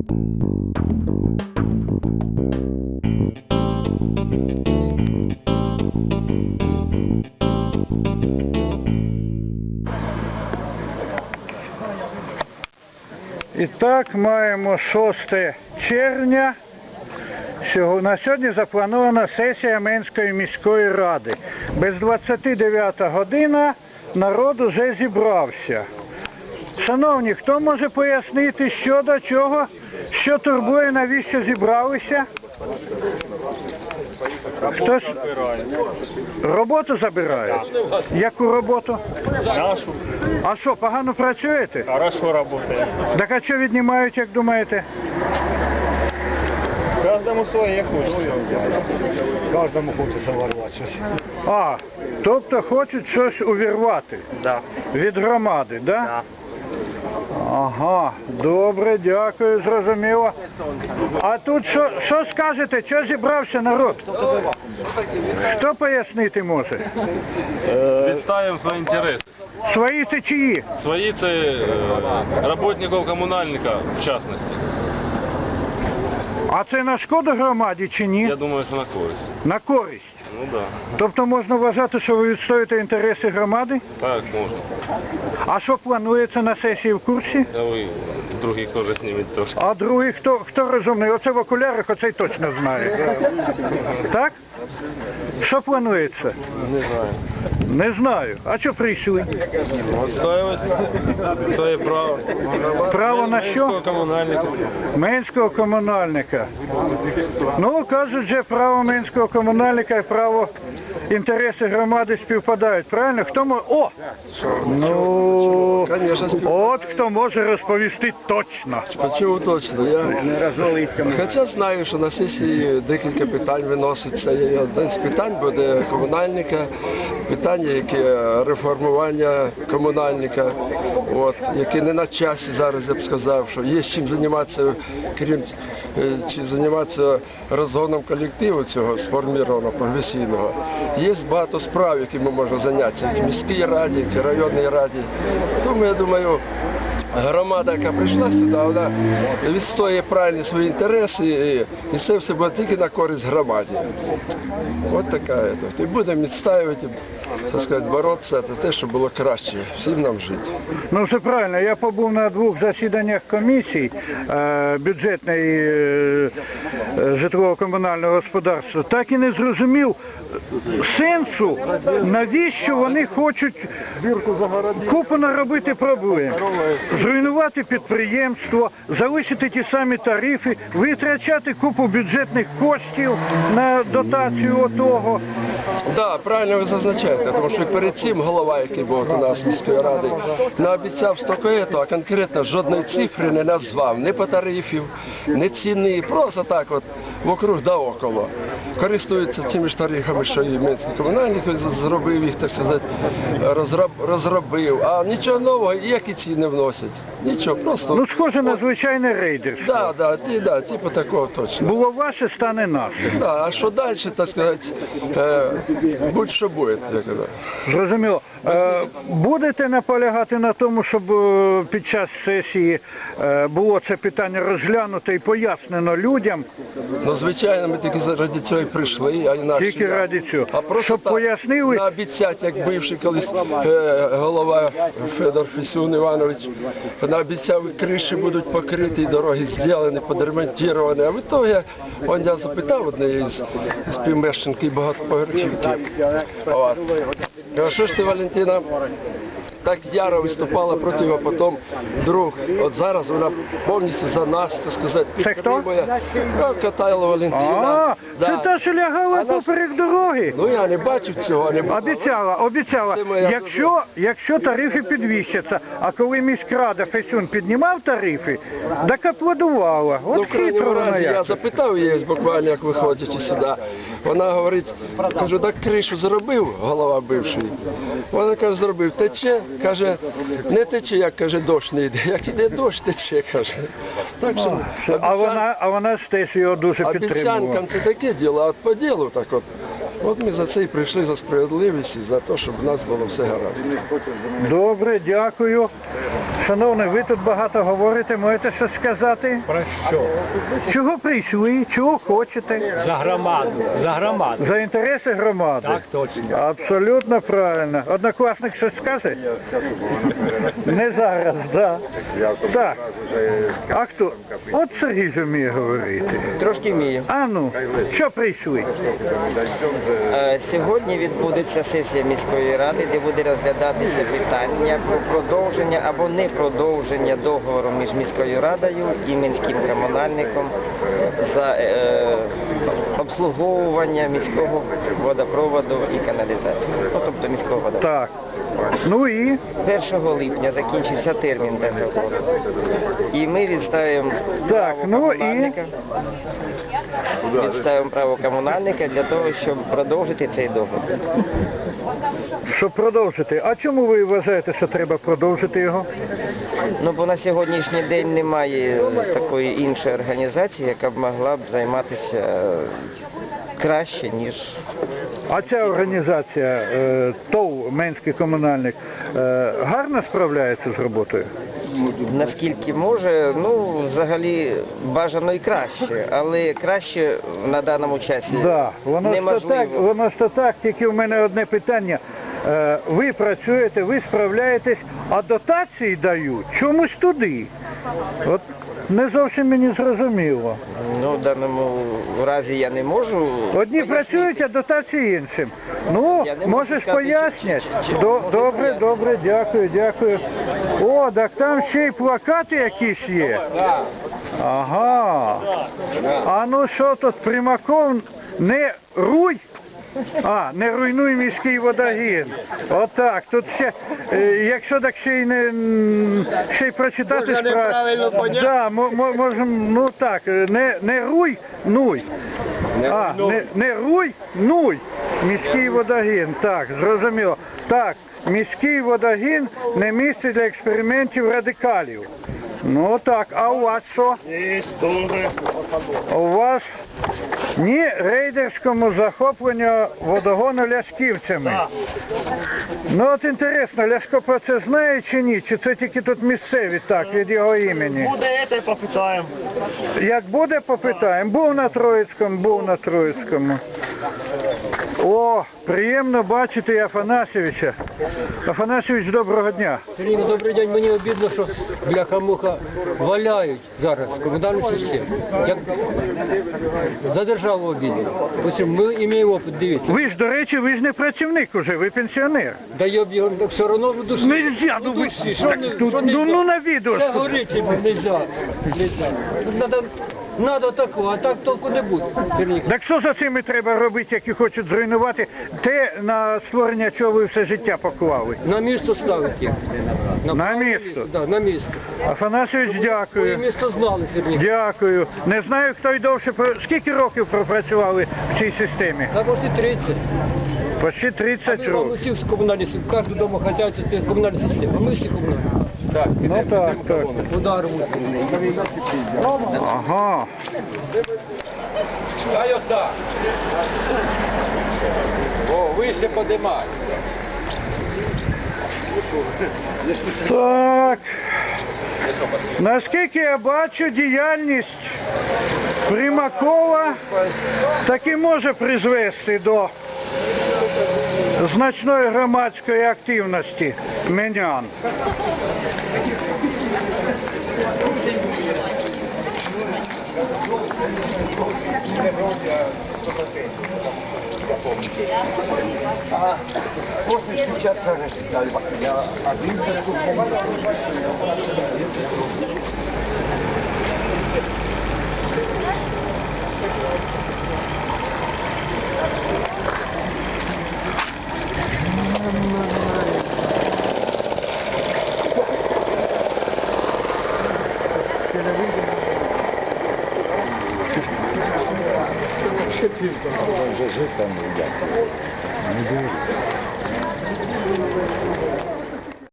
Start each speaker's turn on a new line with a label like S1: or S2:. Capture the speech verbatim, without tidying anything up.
S1: І так, маємо шосте червня. На сьогодні запланована сесія Менської міської ради. Без двадцяти дев'ята година народ уже зібрався. Шановні, хто може пояснити, що до чого, що турбує, навіщо зібралися? Хтось роботу забирає? Яку роботу?
S2: Нашу.
S1: А що, погано працюєте?
S2: Хорошо работаем.
S1: Так а що віднімають, як думаєте?
S2: Каждому своє хочеться. Кожному хочеться ворвати щось.
S1: А, тобто хочуть щось увірвати?
S2: Да.
S1: Від громади, да?
S2: Да.
S1: Ага, добре, дякую, зрозуміло. А тут що, що скажете, що зібрався народ? Хто пояснити може?
S3: Відставимо свої інтереси.
S1: Свої це чиї?
S3: Свої це е, роботників комунальника, в частності.
S1: А це на шкоду громаді чи ні?
S3: Я думаю, що на користь.
S1: На користь.
S3: Ну так. Да.
S1: Тобто можна вважати, що ви відстоюєте інтереси громади?
S3: Так, можна.
S1: А що планується на сесії, в курсі?
S3: А ви других теж знімете трошки.
S1: А другий, хто, хто розумний? Оце в окулярах, оцей точно знає. Так? Що планується?
S3: Не знаю.
S1: Не знаю. А що прийшли?
S3: Відстоювати своє право.
S1: Право на що?
S3: Комунальника.
S1: Менського комунальника. Ну, кажуть же, право менського комунальника і право інтереси громади співпадають. Правильно? Хто може... О! Ну, от хто може розповісти точно.
S4: Чому точно? Я хоча знаю, що на сесії декілька питань виноситься. І один з питань буде комунальника, питання, яке реформування комунальника, от, яке не на часі зараз, я б сказав, що є чим займатися, крім чи займатися розгоном колективу цього сформованого, професійного. Є багато справ, які ми можемо зайнятися, як в міській раді, як в районній раді. Тому, я думаю, громада, яка прийшла сюди, вона відстоює правильні свої інтереси, і це все буде тільки на користь громаді. Ось така. І будемо відстоювати, так сказати, боротися за те, щоб було краще всім нам жити.
S1: Ну, все правильно. Я побув на двох засіданнях комісій е, бюджетної е, житлово-комунального господарства. Так і не зрозумів сенсу, навіщо вони хочуть купу наробити проблем. Зруйнувати підприємство, залишити ті самі тарифи, витрачати купу бюджетних коштів на дотацію отого.
S4: Так, да, правильно ви зазначаєте, тому що перед цим голова, який був у нас міської ради, наобіцяв стільки, а конкретно жодної цифри не назвав, ні по тарифів, ні ціни, просто так от вокруг да около. Користуються цими ж тарифами, що і Менський комунальник зробив їх, так сказати, розроб, розробив, а нічого нового, які ціни вносять. Нічого, просто...
S1: Ну, схоже на звичайне рейдерство.
S4: Так, да, да, да, типу такого точно.
S1: Було ваше, стане наше.
S4: Да, а що далі, так сказати, е, будь-що буде, я казав.
S1: Зрозуміло. Е, будете наполягати на тому, щоб е, під час сесії е, було це питання розглянуто і пояснено людям?
S4: Ну, звичайно, ми тільки ради цього і прийшли, а інакше.
S1: Тільки ради цього.
S4: А просто
S1: щоб
S4: так,
S1: пояснили...
S4: наобіцять, як бивший колись е, голова Федор Фесюн Іванович, наобіцяв, і криші будуть покриті, і дороги зроблені, підремонтовані. А в ітогі, он я запитав однієї з співмешканки багатоповерхівки. От. А що ж ти, Валентина, так яро виступала проти його, потім друг. От зараз вона повністю за нас, так сказати, підтримує. Ну, Катайло Валентина.
S1: А, це та, що лягала поперек дороги?
S4: Ну, я не бачив цього. Не
S1: обіцяла, обіцяла. Якщо, якщо тарифи підвищаться, а коли міськрада Фесюн піднімав тарифи, так аплодувала. От
S4: ну, в крайньому разі, я
S1: як.
S4: запитав її буквально, як виходячи сюди. Вона говорить, кажу, так кришу зробив, голова бивший. Вона каже, зробив, тече. Каже, не тече, як каже, дощ не йде, як іде дощ, тече, каже. Так що,
S1: а, вона, а вона ж теж його дуже підтримувала.
S4: Обіцянкам це таке діло, а от по ділу так от. От ми за це і прийшли, за справедливість і за те, щоб у нас було все гаразд.
S1: Добре, дякую. Шановний, ви тут багато говорите, можете щось сказати?
S2: Про що?
S1: Чого прийшли, чого хочете?
S2: За громаду, за громаду.
S1: За інтереси громади?
S2: Так точно.
S1: Абсолютно правильно. Однокласник щось скаже? Не зараз, да. Так. А хто? От Сергій ж вміє говорити.
S5: Трошки вмію.
S1: А ну, що прийшли?
S5: Е, Сьогодні відбудеться сесія міської ради, де буде розглядатися питання про продовження або не продовження договору між міською радою і міським комунальником за е, обслуговування міського водопроводу і каналізації, ну, тобто міського водопроводу.
S1: Так. Ну і?
S5: першого липня закінчився термін договору. І ми відставимо
S1: Так,
S5: право
S1: ну і?
S5: комунальника. Відставимо право комунальника для того, щоб продовжити цей договір.
S1: Щоб продовжити. А чому ви вважаєте, що треба продовжити його?
S5: Ну, бо на сьогоднішній день немає такої іншої організації, яка б могла б займатися е, краще, ніж
S1: А ця організація, е, ТОВ Менський комунальник, е, гарно справляється з роботою?
S5: наскільки може. Ну, взагалі бажано і краще, але краще на даному часі
S1: Да, воно ж то
S5: неможливо.
S1: так, воно ж то так, тільки в мене одне питання. Е, ви працюєте, ви справляєтесь, а дотації дають чомусь туди. От не зовсім мені зрозуміло.
S5: Ну, в даному разі я не можу.
S1: Одні
S5: пояснити.
S1: працюють, а дотації іншим. Ну,
S5: Я не можу
S1: можеш
S5: сказати,
S1: пояснити.
S5: чи- чи- чи-
S1: До-
S5: можу
S1: Добре,
S5: пояснити.
S1: добре, дякую, дякую. О, так там ще й плакати якісь є. Ага. А ну що тут, Примаков, не руй? А, не руйнуй міський водогін. Отак. Тут ще, е, якщо так ще й не м, ще й прочитати справу. Да, мо- мо- можем, ну так, е, не, не руй, нуй. А, не, не руй, нуй. Міський водогін. Так, зрозуміло. Так, міський водогін не місце для експериментів радикалів. Ну так, а у вас що? У вас ні рейдерському захопленню водогону ляшківцями. Ну от інтересно, Ляшко про це знає чи ні? Чи це тільки тут місцеві так, від його імені?
S6: Буде це, попитаємо.
S1: Як буде, попитаємо. Був на Троїцькому, був на Троїцькому. О, приємно бачити Афанасьовича. Афанасьович, доброго дня.
S7: Сергій, добрий день. Мені обідно, що бляха-муха валяють зараз комунальну систему. Як за державу обідно. Ось ми маємо опит, дивіться.
S1: Ви ж, до речі, ви ж не працівник уже, ви пенсіонер.
S7: Да йоб його, так все одно в душі.
S1: Нельзя,
S7: В
S1: ну ви-
S7: душі, що
S1: так
S7: не,
S1: тут-
S7: що
S1: ну,
S7: нельзя?
S1: ну, на відео
S7: Все
S1: ж тут.
S7: горить, йому нельзя. Нельзя. Тут Надо, надо такого, а так толку не буде. Сергій.
S1: Так що за цими треба робити, які хочуть зруйнувати те, на створення чого ви все життя поклали?
S7: На місто ставить їх.
S1: На
S7: правильне
S1: місто?
S7: Да, на місто.
S1: Афанасьович,
S7: Своє
S1: дякую.
S7: місто знали, Сергій.
S1: Дякую. Не знаю, хто й довше, про- скільки років пропрацювали в цій системі?
S7: Та почти тридцять.
S1: Почти тридцять
S7: Ми вам
S1: років.
S7: усі комунальні системи, кожне домохозяйство це комунальна система. А ми всі комунальні.
S1: Ну так, так.
S7: Удар.
S1: Ага.
S3: Дай отак. О, вище подимай.
S1: Так. Наскільки я бачу, діяльність Примакова таки може призвести до значної громадської активності менян.
S8: Ще півтора вже жити там, як. Не дуже.